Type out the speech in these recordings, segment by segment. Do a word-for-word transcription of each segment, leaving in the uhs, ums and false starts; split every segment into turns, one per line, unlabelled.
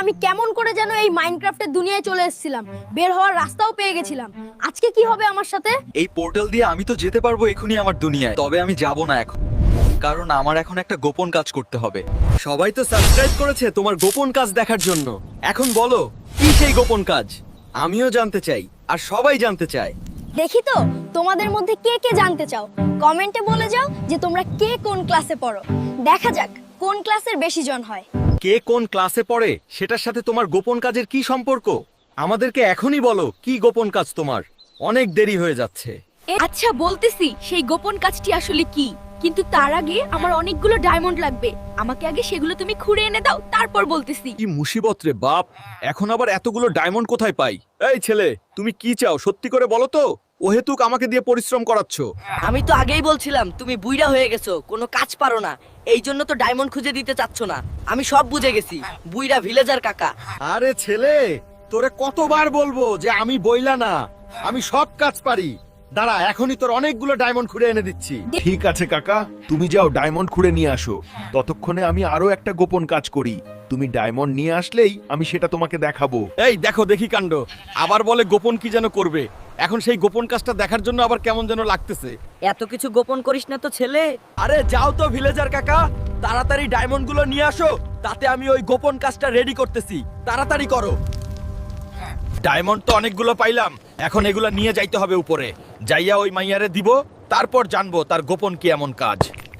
আমি কেমন করে যেন এই মাইনক্রাফটের দুনিয়ায় চলে এসেছিলাম, বের হওয়ার রাস্তাও পেয়ে গেছিলাম। আজকে কি হবে আমার সাথে?
এই পোর্টাল দিয়ে আমি তো যেতে পারবো এখনই আমার দুনিয়ায়, তবে আমি যাব না এখন, কারণ আমার এখন একটা গোপন কাজ করতে হবে।
সবাই তো সাবস্ক্রাইব করেছে তোমার গোপন কাজ দেখার জন্য। এখন বলো কি সেই গোপন কাজ? আমিও জানতে চাই আর সবাই জানতে চায়।
দেখি তো তোমাদের মধ্যে কে কে জানতে চাও, কমেন্টে বলে যাও যে তোমরা কে কোন ক্লাসে পড়ো। দেখা যাক কোন ক্লাসের বেশি জন হয়।
কে কোন ক্লাসে পড়ে সেটার সাথে তোমার গোপন কাজের কি সম্পর্ক? আমাদেরকে এখনই বলো কি গোপন কাজ তোমার, অনেক দেরি হয়ে যাচ্ছে।
আচ্ছা বলতেছি সেই গোপন কাজটি আসলে কি, কিন্তু তার আগে আমার অনেকগুলো ডায়মন্ড লাগবে। আমাকে আগে সেগুলো তুমি খুঁড়ে এনে দাও, তারপর বলতেছি।
কি মুসিবত রে বাপ, এখন আবার এতগুলো ডায়মন্ড কোথায় পাই? এই ছেলে তুমি কি চাও সত্যি করে বলো তো, ওহেতুক আমাকে দিয়ে পরিশ্রম করাচ্ছ।
আমি তো আগেই বলছিলাম তুমি বুইড়া হয়ে গেছো, কোনো কাজ পারো না, এই জন্য তো ডায়মন্ড খুঁজে দিতে চাচ্ছ না। আমি সব বুঝে গেছি, বুইড়া ভিলেজার কাকা।
আরে ছেলে তোরে কতবার বলবো যে আমি বইলা না, আমি সব কাজ পারি। দাঁড়া এখনই তোর অনেকগুলো ডায়মন্ড খুঁড়ে এনে দিচ্ছি।
ঠিক আছে কাকা, তুমি যাও ডায়মন্ড খুঁড়ে নিয়ে আসো। ততক্ষণে আমি আরো একটা গোপন কাজ করি। তুমি ডায়মন্ড নিয়ে আসলেই আমি সেটা তোমাকে দেখাবো।
এই দেখো দেখি কাণ্ড, আবার বলে গোপন কি যেন করবে। এখন সেই গোপন কাজটা দেখার জন্য আবার কেমন যেন লাগতেছে।
এত কিছু গোপন করিস না তো ছেলে।
আরে যাও তো ভিলেজার কাকা, তাড়াতাড়ি ডায়মন্ড গুলো নিয়ে আসো, তাতে আমি ওই গোপন কাজটা রেডি করতেছি। তাড়াতাড়ি করো। ডায়মন্ড তো অনেকগুলো পাইলাম, এখন এগুলো নিয়ে যাইতে হবে উপরে, যাইয়া ওই মাইয়ারে দিব, তারপর জানবো তার গোপন কি এমন কাজ।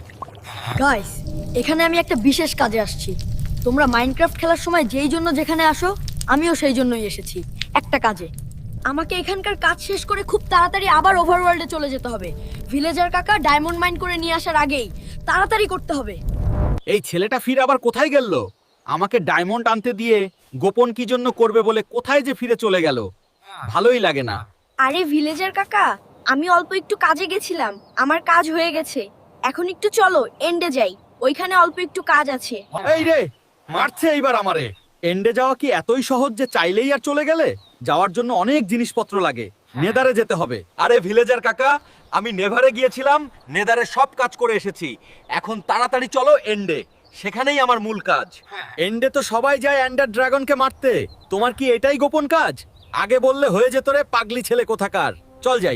গাইস, এখানে আমি একটা বিশেষ কাজে আসছি। তোমরা মাইনক্রাফট খেলার সময় যেই জন্য যেখানে আসো, আমিও সেই জন্যই এসেছি, একটা কাজে। আমাকে এখানকার কাজ শেষ করে খুব তাড়াতাড়ি আবার ওভারওয়ার্ল্ডে চলে যেতে হবে। ভিলেজার কাকা ডায়মন্ড মাইন করে নিয়ে আসার আগেই তাড়াতাড়ি করতে হবে।
এই ছেলেটা ফিরে আবার কোথায় গেল? আমাকে ডায়মন্ড আনতে দিয়ে গোপন কি জন্য করবে বলে কোথায় যে ফিরে চলে গেল, ভালোই লাগে না।
আরে ভিলেজার কাকা, আমি অল্প একটু কাজে গেছিলাম, আমার কাজ হয়ে গেছে। এখন একটু চলো এন্ডে যাই, ওইখানে অল্প একটু কাজ আছে।
এই রে, মারছে এইবার আমারে। এন্ডে যাওয়া কি এতই সহজ যে চাইলেই আর চলে গেলে? যাওয়ার জন্য অনেক জিনিসপত্র লাগে, নেদারে যেতে হবে। আরে ভিলেজার কাকা, আমি নেভারে গিয়েছিলাম, নেদারে সব কাজ করে এসেছি। এখন তাড়াতাড়ি চলো এন্ডে, সেখানেই আমার মূল কাজ। এন্ডে তো সবাই যায় এন্ডার ড্রাগনকে মারতে, তোমার কি এটাই গোপন কাজ? আগে বললে হয়ে যেত রে পাগলি ছেলে কোথাকার। চল যাই।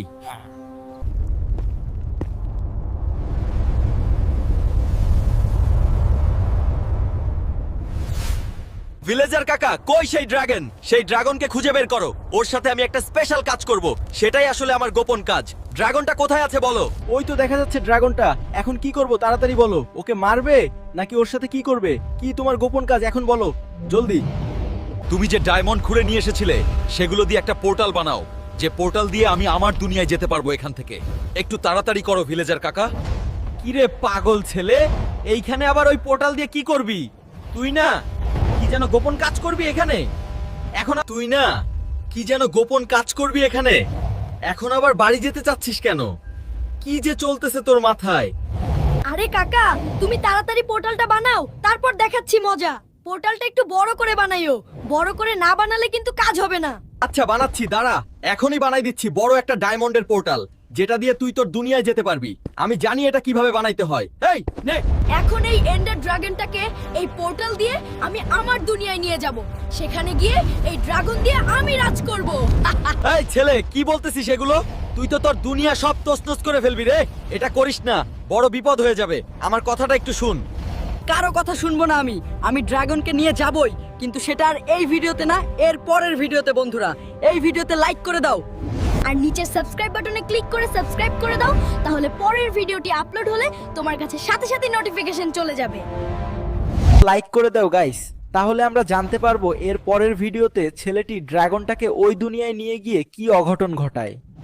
ভিলেজার কাকা, কই সেই ড্রাগন? সেই ড্রাগনকে খুঁজে বের করো, ওর সাথে আমি একটা স্পেশাল কাজ করব, সেটাই আসলে আমার গোপন কাজ। ড্রাগনটা কোথায় আছে বলো?
ওই তো দেখা যাচ্ছে ড্রাগনটা। এখন কি করব তাড়াতাড়ি বলো, ওকে মারবে নাকি ওর সাথে কি করবে? কি তোমার গোপন কাজ এখন বলো জলদি।
তুমি যে ডায়মন্ড খুঁড়ে নিয়ে এসেছিলে সেগুলো দিয়ে একটা পোর্টাল বানাও, যে পোর্টাল দিয়ে আমি আমার দুনিয়ায় যেতে পারবো এখান থেকে। একটু তাড়াতাড়ি করো ভিলেজার কাকা।
কি রে পাগল ছেলে, এইখানে আবার ওই পোর্টাল দিয়ে কি করবি? তুই না কি যেন গোপন কাজ করবি এখানে?
এখন তুই না কি যেন গোপন কাজ করবি এখানে, এখন আবার বাড়ি যেতে চাচ্ছিস কেন? কি যে চলতেছে তোর মাথায়?
আরে কাকা, তুমি তাড়াতাড়ি পোর্টালটা বানাও, তারপর দেখাচ্ছি মজা। পোর্টালটা একটু বড় করে বানাইও, বড় করে না বানালে কিন্তু কাজ হবে না।
আচ্ছা বানাচ্ছি, দাঁড়া এখনই বানাই দিচ্ছি বড় একটা ডায়মন্ডের পোর্টাল, যেটা দিয়ে তুই তোর দুনিয়ায় যেতে পারবি। আমি জানি এটা কিভাবে বানাইতে হয়। এই নে।
এখন এই এন্ডার ড্রাগনটাকে এই পোর্টাল দিয়ে আমি আমার দুনিয়ায় নিয়ে যাব, সেখানে গিয়ে এই ড্রাগন দিয়ে আমি রাজ করব।
এই ছেলে কি বলতেছিস এগুলো? তুই তো তোর দুনিয়া সব তছনছ করে ফেলবি রে। এটা করিস না, বড় বিপদ হয়ে যাবে। আমার কথাটা একটু শুন।
কারো কথা শুনবো না আমি। আমি ড্রাগনকে নিয়ে যাবই, কিন্তু সেটা আর এই ভিডিওতে না, এর পরের ভিডিওতে। বন্ধুরা এই ভিডিওতে লাইক করে দাও
আর নিচের সাবস্ক্রাইব বাটনে ক্লিক করে সাবস্ক্রাইব করে দাও, তাহলে পরের ভিডিওটি আপলোড হলে তোমার কাছে সাথে সাথে নোটিফিকেশন চলে যাবে।
লাইক করে দাও গাইস, তাহলে আমরা জানতে পারবো এর পরের ভিডিওতে ছেলেটি ড্রাগনটাকে ওই দুনিয়ায় নিয়ে গিয়ে কি অঘটন ঘটায়।